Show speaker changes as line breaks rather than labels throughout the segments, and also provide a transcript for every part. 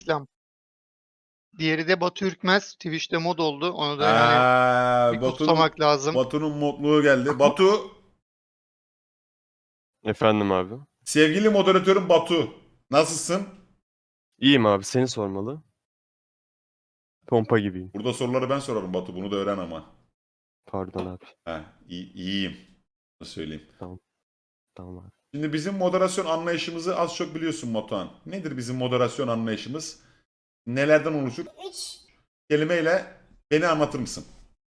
reklam. Diğeri de Batu Ürkmez. Twitch'te mod oldu. Onu da yani bir
Batu'nun
kutlamak lazım.
modluğu geldi. Batu,
Efendim abi.
sevgili moderatörüm Batu. Nasılsın?
İyiyim abi, seni sormalı. Pompa gibiyim.
Burada soruları ben sorarım Batu. Bunu da öğren ama.
Pardon abi.
İyiyim. Nasıl söyleyeyim?
Tamam abi.
Şimdi bizim moderasyon anlayışımızı az çok biliyorsun Batuhan. Nedir bizim moderasyon anlayışımız? Nelerden oluşur? 3 kelimeyle beni anlatır mısın?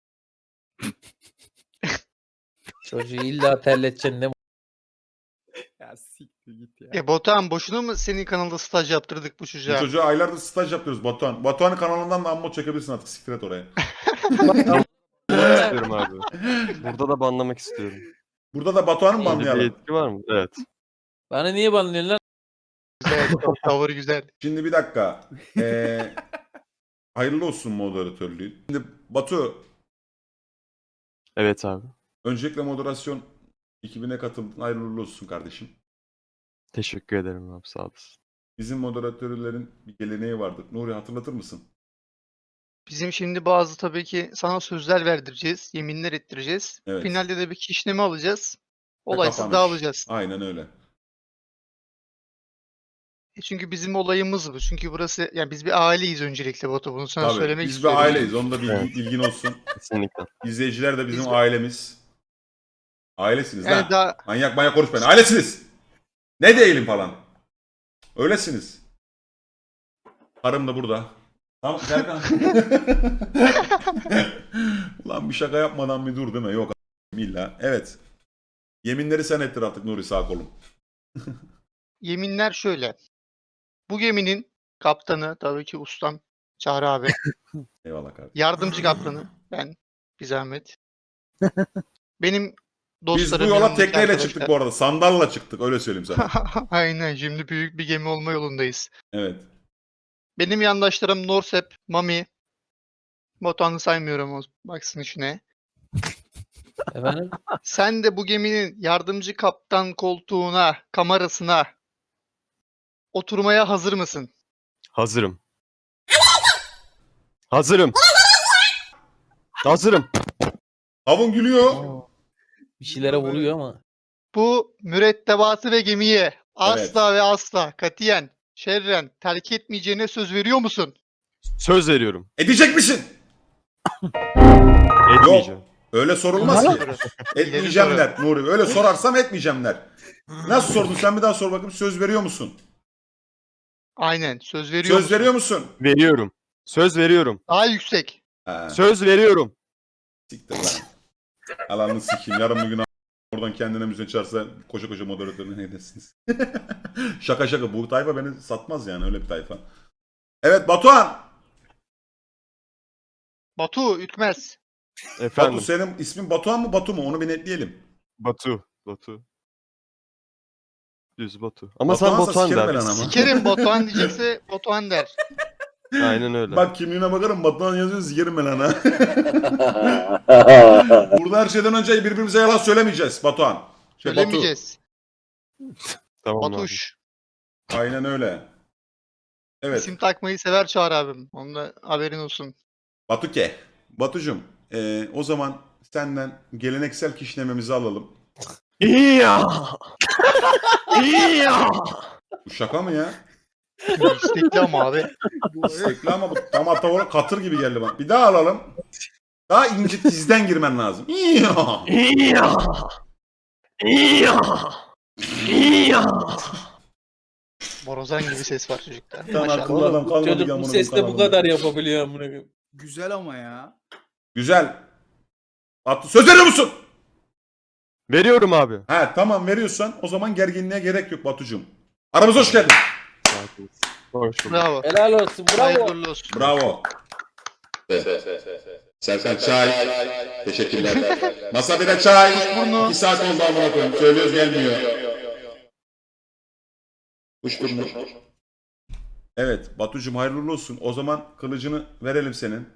Çocuğu illa terleteceksin ne?
Ya siktir git ya.
Batuhan boşuna mı senin kanalda staj yaptırdık bu
Bu
çocuğa?
çocuğa aylardır staj yapıyoruz Batuhan. Batuhan'ın kanalından da ammo çekebilirsin artık. Siktir et oraya.
istiyorum abi. Burada da banlamak istiyorum.
Burada da Batuhan'ı mı
Öyle bir
banlayalım?
etki var mı? Evet.
Bana niye banlıyorsun lan?
Güzel, tavır güzel.
Şimdi bir dakika. Hayırlı olsun moderatörlüğü. Şimdi Batu,
Evet abi.
öncelikle moderasyon ekibine katıldın. Hayırlı uğurlu olsun kardeşim.
Teşekkür ederim abi, sağ olasın.
Bizim moderatörlerin bir geleneği vardır. Nuri hatırlatır mısın?
Bizim şimdi bazı tabii ki sana sözler verdireceğiz. Yeminler ettireceğiz.
Evet.
Finalde de bir kişneme alacağız.
Ve
Olaysız
kapanış.
dağılacağız.
Aynen öyle.
Çünkü bizim olayımız bu. Çünkü burası yani biz bir aileyiz öncelikle Batu. Bunu sana
Tabii.
söylemek
Biz bir
istiyorum.
aileyiz. Onun da
Evet.
bilgin olsun.
Kesinlikle.
İzleyiciler de bizim
Biz-
ailemiz. Ailesiniz
Yani
lan.
daha
Manyak konuşmayın. Ailesiniz. Ne değilim falan. Öylesiniz. Karım da burada. Tamam Serkan. Ulan bir şaka yapmadan bir dur değil mi? Yok illa. Evet. Yeminleri sen ettir artık Nuri sağ kolum.
yeminler şöyle. Bu geminin kaptanı tabii ki ustam Çağrı abi.
Eyvallah kardeşim.
Yardımcı kaptanı ben bir zahmet. Benim
Biz
dostlarım
bu yola
yanımdaki
tekneyle
arkadaşlar.
çıktık bu arada. Sandalla çıktık öyle söyleyeyim sana.
Aynen şimdi büyük bir gemi olma yolundayız.
Evet.
Benim yandaşlarım Norsep, Mami. Batuhan'ı saymıyorum o baksın işine.
Efendim?
Sen de bu geminin yardımcı kaptan koltuğuna, kamerasına oturmaya hazır mısın?
Hazırım. Hazırım. Hazırım.
Havun gülüyor.
Bir şeylere vuruyor ama.
Bu mürettebatı ve gemiyi asla ve asla katiyen şerren terk etmeyeceğine söz veriyor musun?
Söz veriyorum.
Edecek misin?
Etmeyeceğim.
Öyle sorulmaz ki.
Soru.
Etmeyeceğim der Nuri. Öyle sorarsam etmeyeceğim der. Nasıl sordun sen bir daha sor bakayım. Söz veriyor musun?
Aynen söz veriyor
Söz
musun?
veriyor musun?
Veriyorum. Söz veriyorum.
Daha yüksek.
Ha,
Söz veriyorum.
siktir lan. Alanını sikeyim. Yarın bugün oradan kendine müziği çağırsa koşa koşa moderatörüne ne dersiniz? Şaka şaka. Bu tayfa beni satmaz yani. Öyle bir tayfa. Evet Batuhan.
Batu Ürkmez.
Efendim.
Batu senin ismin Batuhan mı Batu mu? Onu bir netleyelim.
Batu. Düz Batu. Ama
Batuhansa
sen Batuhan
sikerim
der.
ben ama.
Sikerim Batuhan diyecekse Batuhan der.
Aynen öyle.
Bak kimliğine bakarım Batuhan yazıyor sikerim ben ana. Burada her şeyden önce birbirimize yalan söylemeyeceğiz Batuhan. Batu.
Söylemeyeceğiz.
Tamam abi.
Batuş.
Aynen öyle. Evet.
İsim takmayı sever Çağrı abim. Onun da haberin olsun.
Batuke. Batucum. O zaman senden geleneksel kişnememizi alalım.
İya. İya.
Bu şaka mı ya?
İstekli ama abi.
İstekli ama bu tam atağı katır gibi geldi bana. Bir daha alalım. Daha ince tizden girmen lazım.
İya. İya. İya.
Borazan gibi ses var çocukta.
Lan
Maşallah.
akıllı adam
Oğlum,
kalmadı
çocuk
ki
bu
amına
sesle
koyayım
bu
kanalımda.
kadar yapabiliyor amına koyayım.
Güzel ama ya.
Güzel. Batu söz veriyor musun?
Veriyorum abi.
He tamam veriyorsan o zaman gerginliğe gerek yok Batucum. Aramıza hoş geldin.
Hoş bulduk.
Bravo.
Helal olsun. Bravo.
Hayırlı olsun.
Bravo. Serkan çay. Teşekkürler. Masa bire çay.
Burnu.
2 saat oldu amına koyayım. Söylüyoruz gelmiyor. Kuşburnu. Evet Batucum hayırlı uğurlu olsun. O zaman kılıcını verelim senin.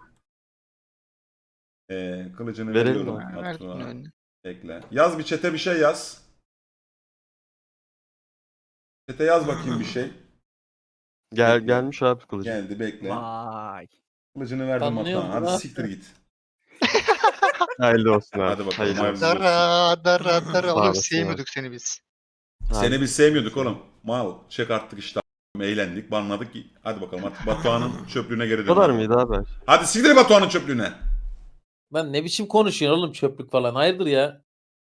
Kılıcını
Verelim
veriyorum.
abi.
Verdim
Batu'a.
önüne.
Ekle. Yaz bir çete bir şey yaz. Çete yaz bakayım bir şey.
Gelmiş abi kılıcı.
Geldi bekle.
Vay.
Kılıcını verdim
Tanınıyor
Batuhan.
mu
Hadi
lan?
siktir git.
Hayırlı olsun abi.
Hadi bakalım,
Hayırlı
hayırlısı
olsun.
olsun.
Dara.
Sağ
Oğlum
olasın
sevmiyorduk seni biz.
Seni biz sevmiyorduk oğlum. Mal. Çek artık işte. Eğlendik, banladık. Hadi bakalım artık Batuhan'ın çöplüğüne geri
Bu kadar
dönelim.
mıydı abi?
Hadi siktir Batuhan'ın çöplüğüne.
Lan ne biçim konuşuyorsun oğlum çöplük falan. Hayırdır ya?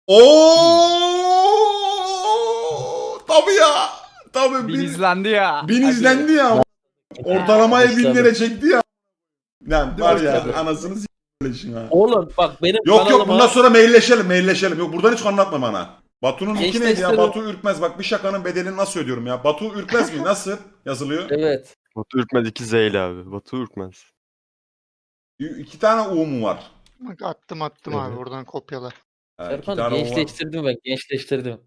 Oo! Tabii ya. Tabii
Bin izlendi ya.
bin
Hadi.
izlendi ya. Ortalamayı
Başladı.
1000 lira çekti ya. Lan var ya
Başladı.
anasını s***leşin ha.
Oğlum bak benim
Yok yok
kanalıma
bundan sonra mailleşelim. Yok buradan hiç anlatma bana. Batu'nun iki
Gençler
neydi ya?
istedim.
Batu Ürkmez. Bak bir şakanın bedelini nasıl ödüyorum ya? Batu Ürkmez mi? Nasıl yazılıyor?
Evet.
Batu Ürkmez 2 Z'yle abi. Batu Ürkmez.
2 tane U mu var?
Bak attım abi
Evet.
oradan kopyala.
Ha, iki
Serkan
tane U var.
gençleştirdim ben. Gençleştirdim.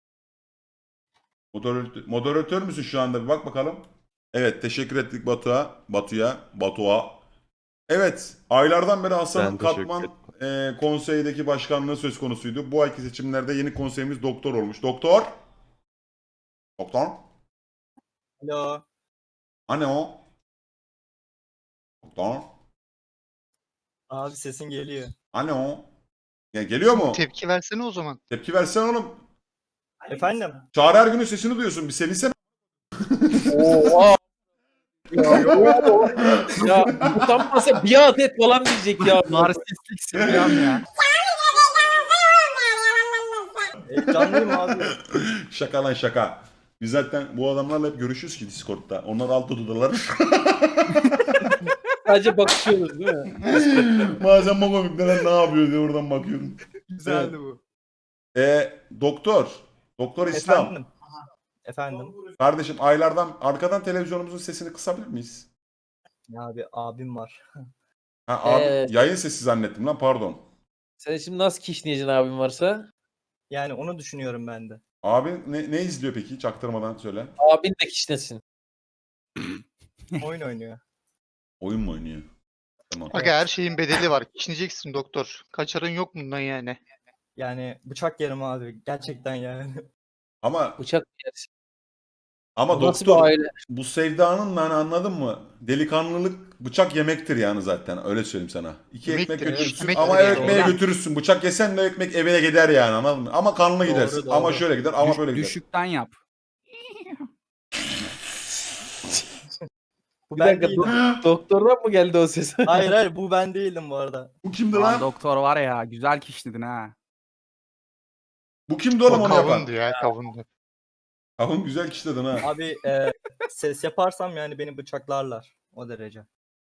Moderatör müsün şu anda? Bir bak bakalım. Evet teşekkür ettik Batu'ya. Evet aylardan beri Hasan'ın
Ben teşekkür
Katman konseydeki başkanlığı söz konusuydu. Bu ayki seçimlerde yeni konseyimiz doktor olmuş. Doktor?
Alo.
Hani o? Doktor?
Abi sesin geliyor.
Hani o? Ya geliyor mu?
Tepki versene o zaman.
Tepki versene oğlum.
Efendim?
Çağrı Ergün'ün sesini duyuyorsun. Bir sevinsene.
Oha. Ya utanmasa bir adet falan diyecek ya.
Narsistlik Süleyman ya.
Canlıyım abi.
Şaka lan şaka. Biz zaten bu adamlarla hep görüşürüz ki Discord'da. Onlar alt odalar.
Sadece bakışıyoruz değil mi?
Bazen bakalım neler ne yapıyor diye oradan bakıyorum.
Güzeldi bu.
Doktor İslam.
Efendim? Efendim?
Kardeşim aylardan arkadan televizyonumuzun sesini kısabilir miyiz?
Ya abi abim var.
Ha abi
Evet.
yayın sesi zannettim lan pardon.
Sen şimdi nasıl kişneyeceksin abim varsa?
Yani onu düşünüyorum ben de.
Abi ne izliyor peki? Çaktırmadan söyle.
Abin de kişnesin.
Oyun oynuyor.
Oyun mu oynuyor? Tamam.
Aga her şeyin bedeli var. Kişneyeceksin doktor. Kaçarın yok bundan yani.
Yani bıçak yerim abi. Gerçekten yani.
Ama
Bıçak yersin.
ama
Bu nasıl
doktor
bir aile?
bu sevdanın hani anladın mı? Delikanlılık bıçak yemektir yani zaten. Öyle söyleyeyim sana. İki
Yemektir,
ekmek
evet.
götürürsün
Yemektir
ama
yani.
ekmeğe
Doğru.
götürürsün. Bıçak yesen de ekmek evine gider yani anladın mı? Ama kanlı
Doğru,
gidersin.
doğru.
Ama şöyle gider ama böyle gider.
Düşükten yap.
Bu
Bir
ben
dakika
değildim.
doktordan mı geldi o ses?
Hayır bu ben değildim bu arada.
Bu kimdi
Lan
lan?
doktor var ya güzel kişnedin ha.
Bu kimdi oğlum
O
onu yapan?
kavundu ya kavundu.
Kavun güzel kişi dedin ha.
Abi ses yaparsam yani beni bıçaklarlar. O derece.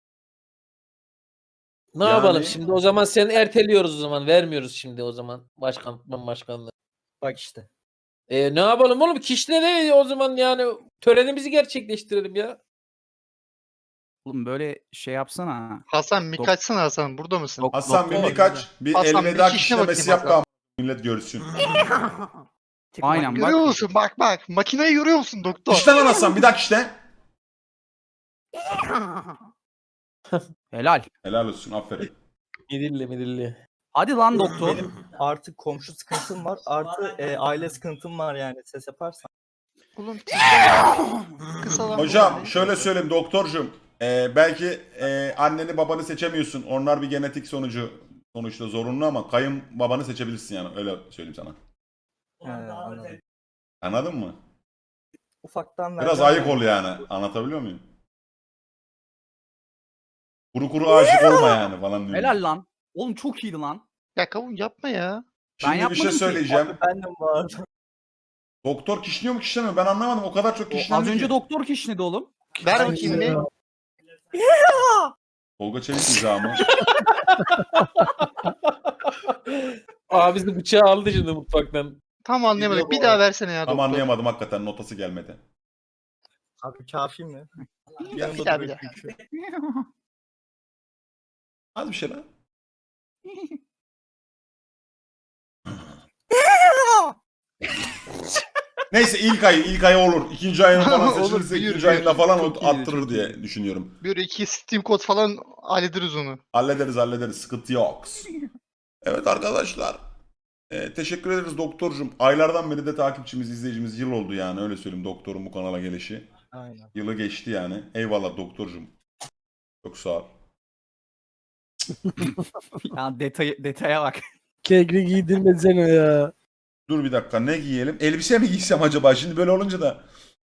Ne
Yani-
yapalım şimdi o zaman seni erteliyoruz o zaman vermiyoruz şimdi o zaman başkanlığı.
Bak işte.
Ne yapalım oğlum kişne ne o zaman yani törenimizi gerçekleştirelim ya.
Oğlum böyle şey yapsana.
Hasan bir kaçsana Hasan. Burada mısın?
Hasan bir
Doktor.
birkaç bir
Hasan, bir
elveda
kişine
kişnemesi
bakayım
yap da
Hasan.
ama millet görsün.
Aynen bak.
Görüyor musun? Bak. Makineyi görüyor musun doktor?
İşte lan Hasan bir dakika işte.
Helal.
Helal olsun aferin.
Midilli.
Hadi lan doktor.
Benim artık komşu sıkıntım var. Artı aile sıkıntım var yani. Ses yaparsam.
Oğlum kısalan
Hocam şöyle söyleyeyim doktorcum. Belki anneni babanı seçemiyorsun. Onlar bir genetik sonuçta zorunlu ama kayın babanı seçebilirsin yani öyle söyleyeyim sana.
Anladım.
Anladın mı?
Ufaktan
Biraz
vereceğim
ayık
yani.
ol yani. Anlatabiliyor muyum? Kuru aşık olma yani falan diyorum.
Helal lan. Oğlum çok iyiydi lan.
Ya kavun yapma ya.
Şimdi bir
yapmadım
şey
ki.
söyleyeceğim.
Abi bendim bu arada.
Doktor kişniyor mu kişnemiyor? Ben anlamadım. O kadar çok
O,
kişnendi
az önce
ki.
doktor kişnedi oğlum.
Ver bakayım bir.
Tolga Çevik izahı
Bizi bıçağı aldı şimdi mutfaktan.
Tam anlayamadık. Bir
bu
daha
arada.
versene ya
Tam
doktor.
anlayamadım hakikaten. Notası gelmedi.
Abi kafi mi?
Bir daha.
Hadi bir şey lan. Neyse ilk ay olur. İkinci ayında falan
Olur,
seçilirse
büyür,
ikinci ayında falan
Çok
o
iyiydi,
attırır
çok
diye
iyiydi.
düşünüyorum.
Bir iki Steam kod falan hallederiz onu.
Hallederiz. Sıkıntı yok. Evet arkadaşlar. Teşekkür ederiz doktorcum. Aylardan beri de takipçimiz, izleyicimiz yıl oldu yani öyle söyleyeyim doktorun bu kanala gelişi.
Aynen.
Yılı geçti yani. Eyvallah doktorcum. Çok sağ ol.
Ya detaya bak.
Kegri giydirmesene ya.
Dur bir dakika ne giyelim? Elbise mi giysem acaba? Şimdi böyle olunca da.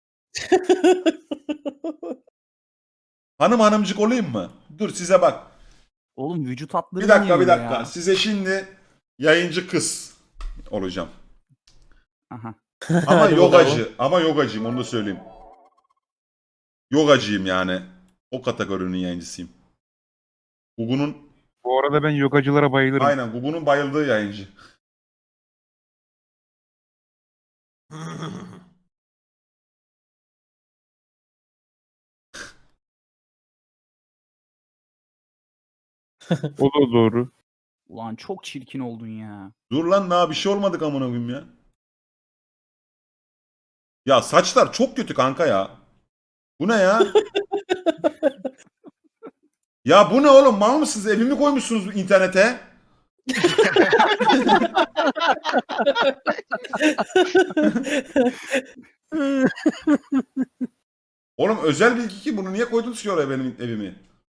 Hanımcık olayım mı? Dur size bak.
Oğlum vücut hatları
Bir dakika
niye
bir
öyle
dakika.
ya?
Size şimdi yayıncı kız olacağım.
Aha.
Ama
Hadi
yogacı. Ama yogacıyım onu da söyleyeyim. Yogacıyım yani. O kategorinin yayıncısıyım. Gugu'nun
Bu arada ben yogacılara bayılırım.
aynen Gugu'nun bayıldığı yayıncı.
O da doğru.
Ulan çok çirkin oldun ya.
Dur lan daha bir şey olmadık amına koyayım ya. Ya saçlar çok kötü kanka ya. Bu ne ya? Ya bu ne oğlum? Mal mısınız? Evimi koymuşsunuz internete. Oğlum özel bilgi ki bunu niye koydunuz ki oraya benim evimi?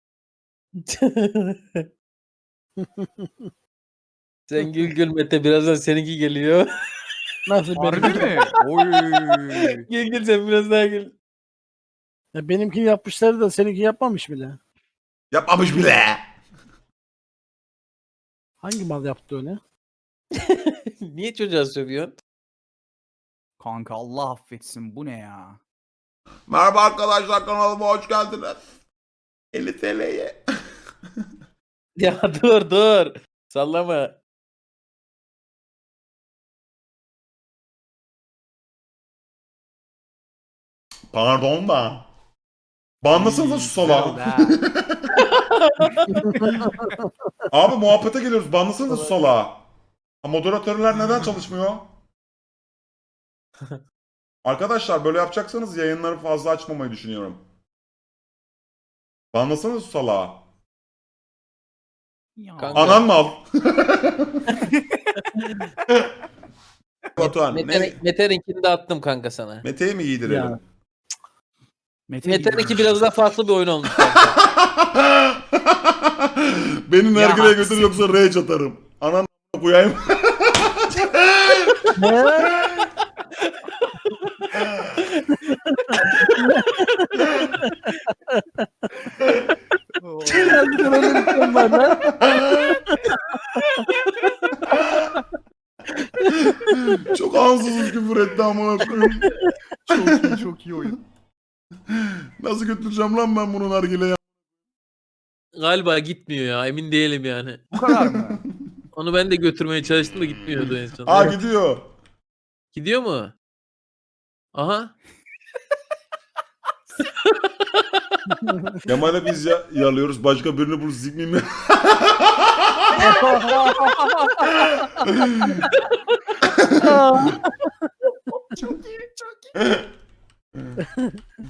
Sen gül Mete, birazdan seninki geliyor.
Nasıl
Harbi
benim?
mi? Oy.
Gül sen biraz daha gül.
Ya benimkini yapmışlar da seninki yapmamış bile.
Yapmamış bile.
Hangi mal yaptı öyle?
Niye çocuğa sövüyorsun?
Kanka Allah affetsin bu ne ya?
Merhaba arkadaşlar kanalıma hoş geldiniz. 50 TL'ye.
Ya dur. Sallama.
Pardon da. Banlasanıza şu
Güzel
salağı.
oldu ha.
Abi muhabbete geliyoruz. Banlasanıza şu salağı. Ha, moderatörler neden çalışmıyor? Arkadaşlar böyle yapacaksanız yayınları fazla açmamayı düşünüyorum. Banlasanıza şu salağı.
Ya.
Kanka.
Anan mı al? Batuhan ne?
Mete'ninkini de attım kanka sana.
Mete'yi mi giydirelim?
Ya.
Mete'ninki biraz daha farklı bir oyun olmuş kanka.
Beni nergile
Ya.
götür yoksa rage atarım. Anan koyayım.
Harbiden öyle bir şey var lan.
Çok ansızız küfür etti amına koyayım.
Çok iyi oyun.
Nasıl götüreceğim lan ben bunu nargileye?
Galiba gitmiyor ya, emin değilim yani.
Bu kadar mı?
Onu ben de götürmeye çalıştım da gitmiyordu en son.
Aa gidiyor.
Gidiyor mu? Aha.
Kemal'e biz yalıyoruz. Başka birini bulup zikmeyeyim mi?
Çok iyi.